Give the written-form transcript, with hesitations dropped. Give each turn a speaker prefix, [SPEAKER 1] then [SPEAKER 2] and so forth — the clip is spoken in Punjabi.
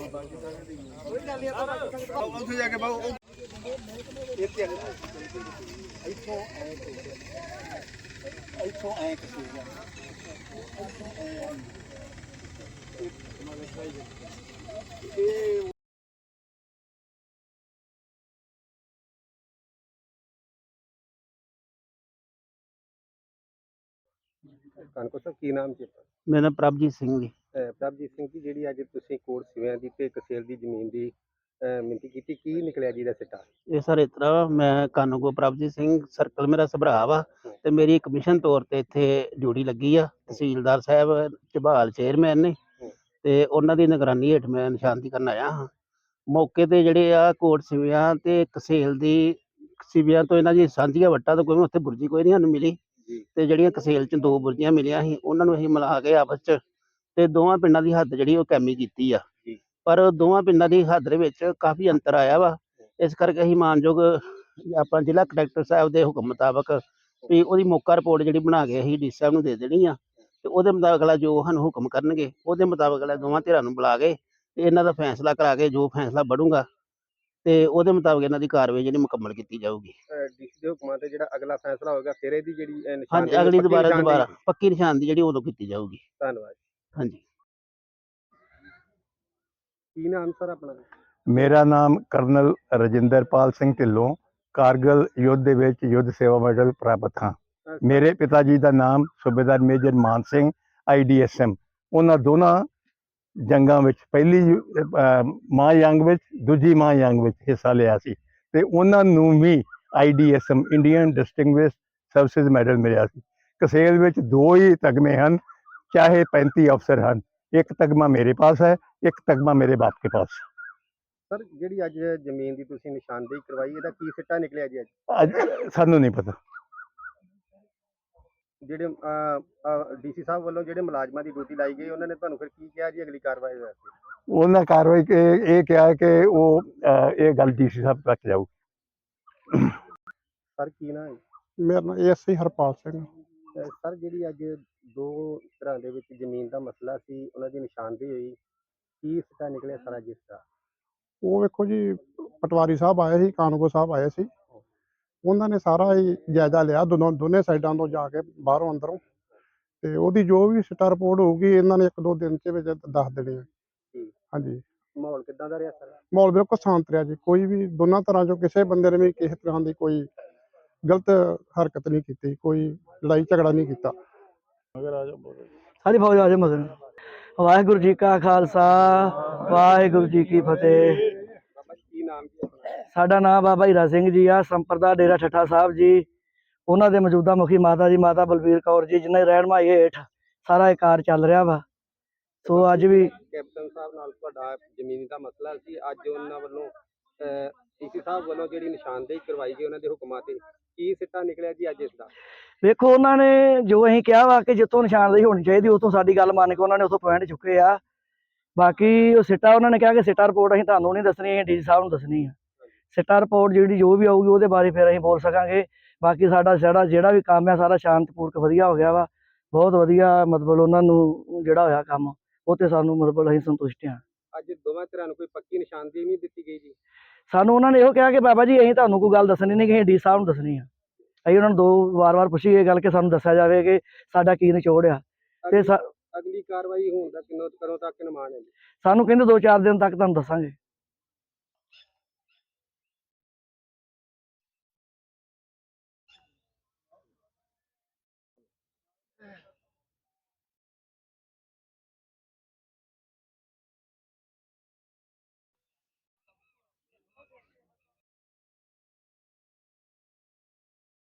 [SPEAKER 1] ਉੱਥੇ ਜਾ ਕੇ ਬਾਹੂ ਇੱਥੇ ਇੱਥੋਂ ਐ ਕਿਸੇ ਇਹ ਕਨਕੋ ਸਾਹਿਬ ਕੀ ਨਾਮ ਜੀ?
[SPEAKER 2] ਮੇਰਾ ਨਾਮ ਪ੍ਰਭਜੀਤ ਸਿੰਘ ਜੀ।
[SPEAKER 1] ਪ੍ਰਭਜੀਤ ਸਿੰਘ ਜੀ, ਜਿਹੜੀ ਅੱਜ ਤੁਸੀਂ ਕੋਟ ਸਿਵਿਆਂ ਦੀ ਤੇ ਕਸੇਲ ਦੀ ਜ਼ਮੀਨ ਦੀ ਮਿਣਤੀ ਕੀਤੀ, ਕੀ ਨਿਕਲਿਆ ਜੀ ਦਾ ਸਿੱਟਾ?
[SPEAKER 2] ਇਹ ਸਰ ਇਸ ਤਰ੍ਹਾਂ ਵਾ, ਮੈਂ ਕਾਨੂੰਗੋ ਪ੍ਰਭਜੀਤ ਸਿੰਘ, ਸਰਕਲ ਮੇਰਾ ਸਭਰਾ ਵਾ ਤੇ ਮੇਰੀ ਕਮਿਸ਼ਨ ਤੌਰ ਤੇ ਇੱਥੇ ਡਿਊਟੀ ਲੱਗੀ ਆ। ਤਹਿਸੀਲਦਾਰ ਸਾਹਿਬ ਝਬਾਲ ਚੇਅਰਮੈਨ ਨੇ ਤੇ ਉਹਨਾਂ ਦੀ ਨਿਗਰਾਨੀ ਹੇਠ ਮੈਂ ਨਿਸ਼ਾਨਦੀ ਕਰਨ ਆਇਆ ਹਾਂ। ਮੌਕੇ ਤੇ ਜਿਹੜੇ ਆ ਕੋਟ ਸਿਵਿਆਂ ਤੇ ਕਸੇਲ ਦੀ ਸਿਵਿਆਂ ਤੋਂ ਇਹਨਾਂ ਦੀ ਸਾਂਝੀਆਂ ਵੱਟਾਂ ਤੋਂ ਕੋਈ ਉੱਥੇ ਬੁਰਜੀ ਕੋਈ ਨਹੀਂ ਸਾਨੂੰ ਮਿਲੀ ਤੇ ਜਿਹੜੀਆਂ ਕਸੇਲ ਚ 2 ਬੁਰਜੀਆਂ ਮਿਲੀਆਂ ਸੀ ਉਹਨਾਂ ਨੂੰ ਅਸੀਂ ਮਿਲਾ ਕੇ ਆਪਸ ਚ ਤੇ ਦੋਵਾਂ ਪਿੰਡਾਂ ਦੀ ਹੱਦ ਜਿਹੜੀ ਉਹ ਕੈਮੀ ਕੀਤੀ ਆ। ਪਰ ਦੋਵਾਂ ਪਿੰਡਾਂ ਦੀ ਹੱਦ ਦੇ ਵਿੱਚ ਕਾਫੀ ਅੰਤਰ ਆਇਆ ਵਾ। ਇਸ ਕਰਕੇ ਅਸੀਂ ਮਾਨਯੋਗ ਆਪਾਂ ਜ਼ਿਲ੍ਹਾ ਕਲੈਕਟਰ ਸਾਹਿਬ ਦੇ ਹੁਕਮ ਮੁਤਾਬਕ ਵੀ ਉਹਦੀ ਮੌਕਾ ਰਿਪੋਰਟ ਜਿਹੜੀ ਬਣਾ ਕੇ ਅਸੀਂ ਡੀ ਸਾਹਿਬ ਨੂੰ ਦੇ ਦੇਣੀ ਆ ਤੇ ਉਹਦੇ ਮੁਤਾਬਕ ਅਗਲਾ ਜੋ ਸਾਨੂੰ ਹੁਕਮ ਕਰਨਗੇ ਉਹਦੇ ਮੁਤਾਬਕ ਅਗਲਾ ਦੋਵਾਂ ਧਿਰਾਂ ਨੂੰ ਬੁਲਾ ਕੇ ਤੇ ਇਹਨਾਂ ਦਾ ਫੈਸਲਾ ਕਰਾ ਕੇ ਜੋ ਫੈਸਲਾ ਬਣੂਗਾ ਤੇ ਉਹਦੇ ਮੁਤਾਬਕ ਇਹਨਾਂ ਦੀ ਕਾਰਵਾਈ ਜਿਹੜੀ ਮੁਕੰਮਲ ਕੀਤੀ ਜਾਊਗੀ।
[SPEAKER 1] ਡੀਸੀ ਦੇ ਹੁਕਮਾਂ ਤੇ ਜਿਹੜਾ ਅਗਲਾ ਫੈਸਲਾ ਹੋਏਗਾ ਫਿਰ ਇਹਦੀ ਜਿਹੜੀ
[SPEAKER 2] ਹਾਂਜੀ, ਅਗਲੀ ਦੁਬਾਰਾ ਪੱਕੀ ਨਿਸ਼ਾਨਦੀ ਜਿਹੜੀ ਉਦੋਂ ਕੀਤੀ ਜਾਊਗੀ।
[SPEAKER 1] ਧੰਨਵਾਦ।
[SPEAKER 2] ਹਾਂਜੀ,
[SPEAKER 1] ਕੀ ਨਾਮ ਸਰ ਆਪਣਾ?
[SPEAKER 3] ਮੇਰਾ ਨਾਮ ਕਰਨਲ ਰਜਿੰਦਰਪਾਲ ਸਿੰਘ ਢਿੱਲੋਂ, ਕਾਰਗਿਲ ਯੁੱਧ ਦੇ ਵਿੱਚ ਯੁੱਧ ਸੇਵਾ ਮੈਡਲ ਪ੍ਰਾਪਤ ਹਾਂ। ਮੇਰੇ ਪਿਤਾ ਜੀ ਦਾ ਨਾਮ ਸੂਬੇਦਾਰ ਮੇਜਰ ਮਾਨ ਸਿੰਘ IDSM। ਉਹਨਾਂ ਦੋਨਾਂ ਜੰਗਾਂ ਵਿੱਚ, ਪਹਿਲੀ ਮਾਂ ਜੰਗ ਵਿੱਚ, ਦੂਜੀ ਮਾਂ ਜੰਗ ਵਿੱਚ ਹਿੱਸਾ ਲਿਆ ਸੀ ਤੇ ਉਹਨਾਂ ਨੂੰ ਵੀ IDSM Indian distinguished services medal ਮਿਲਿਆ ਸੀ। ਕਸੇਲ ਵਿੱਚ 2 ਹੀ ਤਗਮੇ ਹਨ, ਚਾਹੇ 35 ਅਫਸਰ ਹਨ। ਇੱਕ ਤਗਮਾ ਮੇਰੇ ਪਾਸ ਹੈ, ਇੱਕ ਤਗਮਾ ਮੇਰੇ ਬਾਪ ਕੇ ਪਾਸ।
[SPEAKER 1] ਸਰ, ਜਿਹੜੀ ਅੱਜ ਜ਼ਮੀਨ ਦੀ ਤੁਸੀਂ ਨਿਸ਼ਾਨਦੇਹੀ ਕਰਵਾਈ, ਇਹਦਾ ਕੀ ਸਿੱਟਾ ਨਿਕਲਿਆ ਜੀ
[SPEAKER 3] ਅੱਜ ਸਾਨੂੰ ਨਹੀਂ ਪਤਾ।
[SPEAKER 1] ਜਿਹੜੇ ਡੀਸੀ ਸਾਹਿਬ ਵੱਲੋਂ ਜਿਹੜੇ ਮੁਲਾਜ਼ਮਾਂ ਦੀ ਡਿਊਟੀ ਲਾਈ ਗਈ, ਉਹਨਾਂ ਨੇ ਤੁਹਾਨੂੰ ਫਿਰ ਕੀ ਕਿਹਾ ਜੀ ਅਗਲੀ ਕਾਰਵਾਈ ਵਾਸਤੇ?
[SPEAKER 3] ਉਹਨਾਂ ਕਾਰਵਾਈ ਇਹ ਕਿਹਾ ਕਿ ਉਹ ਇਹ ਗੱਲ DC ਸਾਹਿਬ ਤੱਕ ਜਾਊ।
[SPEAKER 1] ਸਰ, ਕੀ ਨਾ ਹੈ?
[SPEAKER 4] ਮੇਰਾ ਨਾਮ ASI ਹਰਪਾਲ ਸਿੰਘ।
[SPEAKER 1] ਸਰ, ਜਿਹੜੀ ਅੱਜ 2 ਤਰ੍ਹਾਂ ਦੇ ਵਿੱਚ ਜ਼ਮੀਨ ਦਾ ਮਸਲਾ ਸੀ, ਉਹਨਾਂ ਦੀ ਨਿਸ਼ਾਨਦੇਹੀ ਹੋਈ, ਕੀ ਸਿੱਟਾ ਨਿਕਲਿਆ ਸਾਰਾ ਜਿਸ ਦਾ?
[SPEAKER 4] ਉਹ ਵੇਖੋ ਜੀ, ਪਟਵਾਰੀ ਸਾਹਿਬ ਆਏ ਸੀ, ਕਾਨੂੰਗੋ ਸਾਹਿਬ ਆਏ ਸੀ। ਉਹਨਾਂ ਨੇ ਸਾਰਾ ਹੀ ਜਾਇਜ਼ਾ ਲਿਆ ਦੋਨੇ ਸਾਈਡਾਂ ਤੋਂ ਜਾ ਕੇ, ਬਾਹਰੋਂ ਅੰਦਰੋਂ, ਤੇ ਉਹਦੀ ਜੋ ਵੀ ਸਿੱਟਾ ਰਿਪੋਰਟ ਹੋਊਗੀ ਇਹਨਾਂ ਨੇ 1-2 ਦਿਨ ਦੇ ਵਿੱਚ ਦੱਸ ਦੇਣੀ ਹੈ। ਹਾਂਜੀ।
[SPEAKER 1] ਮਾਹੌਲ ਕਿੱਦਾਂ ਦਾ ਰਿਹਾ ਸਰ?
[SPEAKER 4] ਮਾਹੌਲ ਬਿਲਕੁਲ ਸ਼ਾਂਤ ਰਿਹਾ ਜੀ। ਕੋਈ ਵੀ ਦੋਨਾਂ ਤਰ੍ਹਾਂ ਚੋਂ ਕਿਸੇ ਬੰਦੇ ਨੇ ਵੀ ਕਿਸੇ ਤਰ੍ਹਾਂ ਦੀ ਕੋਈ ਗਲਤ ਹਰਕਤ ਨਹੀਂ ਕੀਤੀ, ਕੋਈ ਲੜਾਈ ਝਗੜਾ ਨਹੀਂ ਕੀਤਾ।
[SPEAKER 2] ਸਾਰੀ ਫੌਜ ਆ ਜਾ ਮਗਰ। ਵਾਹਿਗੁਰੂ ਜੀ ਕਾ ਖਾਲਸਾ, ਵਾਹਿਗੁਰੂ ਜੀ ਕੀ ਫਤਿਹ।
[SPEAKER 1] ਕੀ ਨਾਮ ਜੀ ਆਪਣਾ?
[SPEAKER 2] ਸਾਡਾ ਨਾਮ ਬਾਬਾ ਹੀਰਾ ਸਿੰਘ ਜੀ ਆ, ਸੰਪਰਦਾ ਡੇਰਾ ਠੱਠਾ ਸਾਹਿਬ ਜੀ। ਉਹਨਾਂ ਦੇ ਮੌਜੂਦਾ ਮੁਖੀ ਮਾਤਾ ਜੀ, ਮਾਤਾ ਬਲਬੀਰ ਕੌਰ ਜੀ, ਜਿਨ੍ਹਾਂ ਦੀ ਰਹਿਨਮਾਈ ਹੇਠ ਸਾਰਾ ਇਹ ਕਾਰ ਚੱਲ ਰਿਹਾ ਵਾ। ਸੋ ਅੱਜ ਵੀ
[SPEAKER 1] ਕੈਪਟਨ ਸਾਹਿਬ ਨਾਲ ਤੁਹਾਡਾ ਜ਼ਮੀਨੀ ਦਾ ਮਸਲਾ ਸੀ, ਅੱਜ ਉਹਨਾਂ ਵੱਲੋਂ DC ਸਾਹਿਬ ਵੱਲੋਂ ਜਿਹੜੀ ਨਿਸ਼ਾਨਦੇਹੀ ਕਰਵਾਈ ਗਈ ਉਹਨਾਂ ਦੇ ਹੁਕਮਾਂ ਤੇ, ਕੀ ਸਿੱਟਾ ਨਿਕਲਿਆ ਜੀ ਅੱਜ ਇਸ ਦਾ?
[SPEAKER 2] ਵੇਖੋ, ਉਹਨਾਂ ਨੇ ਜੋ ਅਸੀਂ ਕਿਹਾ ਵਾ ਕਿ ਜਿੱਥੋਂ ਨਿਸ਼ਾਨਦੇਹੀ ਹੋਣੀ ਚਾਹੀਦੀ ਉੱਥੋਂ ਸਾਡੀ ਗੱਲ ਮੰਨ ਕੇ ਉਹਨਾਂ ਨੇ ਉੱਥੋਂ ਪੁਆਇੰਟ ਚੁੱਕੇ ਆ। ਬਾਕੀ ਉਹ ਸਿੱਟਾ ਉਹਨਾਂ ਨੇ ਕਿਹਾ ਕਿ ਸਿੱਟਾ ਰਿਪੋਰਟ ਅਸੀਂ ਤੁਹਾਨੂੰ ਨਹੀਂ ਦੱਸਣੀ, ਅਸੀਂ DC ਸਾਹਿਬ ਨੂੰ ਦੱਸਣੀ ਆ। ਸਿੱਟਾ ਰਿਪੋਰਟ ਜਿਹੜੀ ਜੋ ਵੀ ਆਊਗੀ ਉਹਦੇ ਬਾਰੇ ਫਿਰ ਅਸੀਂ ਬੋਲ ਸਕਾਂਗੇ। ਬਾਕੀ ਸਾਡਾ ਜਿਹੜਾ ਵੀ ਕੰਮ ਹੈ ਸਾਰਾ ਸ਼ਾਂਤਪੂਰਕ ਵਧੀਆ ਹੋ ਗਿਆ ਵਾ, ਬਹੁਤ ਵਧੀਆ। ਮਤਲਬ ਉਹਨਾਂ ਨੂੰ ਜਿਹੜਾ ਹੋਇਆ ਕੰਮ ਉਹ ਤੇ ਸਾਨੂੰ ਮਤਲਬ ਅਸੀਂ ਸੰਤੁਸ਼ਟ ਹਾਂ।
[SPEAKER 1] ਅੱਜ ਦੋਵਾਂ ਧਿਰਾਂ ਨੂੰ ਕੋਈ ਪੱਕੀ ਨਿਸ਼ਾਨਦੇਹੀ ਨਹੀਂ ਦਿੱਤੀ ਗਈ ਜੀ?
[SPEAKER 2] ਸਾਨੂੰ ਉਹਨਾਂ ਨੇ ਇਹੋ ਕਿਹਾ ਕਿ ਬਾਬਾ ਜੀ ਅਸੀਂ ਤੁਹਾਨੂੰ ਕੋਈ ਗੱਲ ਦੱਸਣੀ ਨਹੀਂ, ਕਿ ਅਸੀਂ DC ਸਾਹਿਬ ਨੂੰ ਦੱਸਣੀ ਆ। ਅਸੀਂ ਉਹਨਾਂ ਨੂੰ 2 ਵਾਰ ਪੁੱਛੀ ਇਹ ਗੱਲ ਕਿ ਸਾਨੂੰ ਦੱਸਿਆ ਜਾਵੇ ਕਿ ਸਾਡਾ ਕੀ ਨਿਚੋੜ ਆ। ਤੇ
[SPEAKER 1] ਅਗਲੀ ਕਾਰਵਾਈ ਹੋਣ ਦਾ ਕਦੋਂ ਤੱਕ ਅਨੁਮਾਨ ਹੈ?
[SPEAKER 2] ਸਾਨੂੰ ਕਹਿੰਦੇ 2-4 ਦਿਨ ਤੱਕ ਤੁਹਾਨੂੰ ਦੱਸਾਂਗੇ।